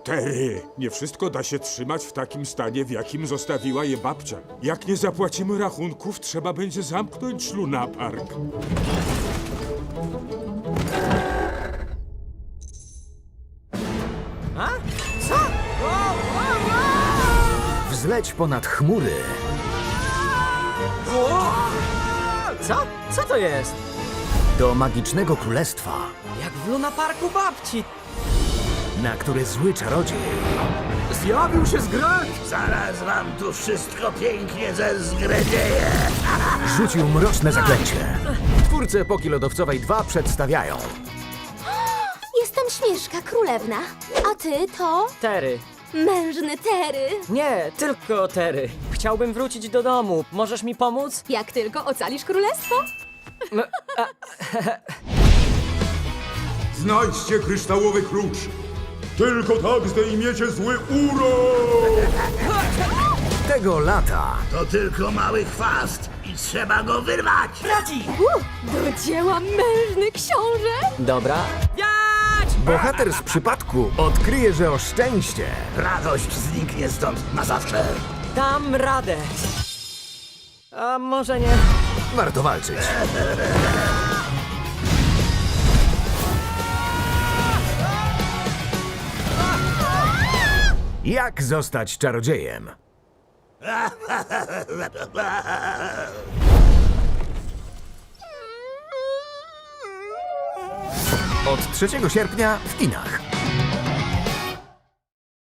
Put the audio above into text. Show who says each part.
Speaker 1: Terry, nie wszystko da się trzymać w takim stanie, w jakim zostawiła je babcia. Jak nie zapłacimy rachunków, trzeba będzie zamknąć lunapark.
Speaker 2: A? Co?
Speaker 3: Wzleć ponad chmury,
Speaker 2: Co? Co to jest?
Speaker 3: do magicznego królestwa,
Speaker 2: Jak w lunaparku babci.
Speaker 3: na które zły czarodziej
Speaker 2: Zjawił się z gry!
Speaker 4: Zaraz wam tu wszystko pięknie zezgredzie.
Speaker 3: rzucił mroczne zaklęcie. Twórcy Epoki Lodowcowej 2 przedstawiają
Speaker 5: Jestem Śnieżka Królewna, a ty to
Speaker 2: Terry.
Speaker 5: mężny Tery.
Speaker 2: Nie, tylko Terry. Chciałbym wrócić do domu. Możesz mi pomóc?
Speaker 5: Jak tylko ocalisz królestwo.
Speaker 1: Znajdźcie kryształowy klucz. Tylko tak zdejmiecie zły urok!
Speaker 3: tego lata.
Speaker 4: To tylko mały chwast i trzeba go wyrwać.
Speaker 5: Do dzieła mężny książę.
Speaker 2: Dobra.
Speaker 3: Bohater z przypadku odkryje, że o szczęście
Speaker 4: Radość zniknie stąd na zawsze.
Speaker 2: Dam radę. A może nie?
Speaker 3: warto walczyć. Jak zostać czarodziejem? Od 3 sierpnia w kinach.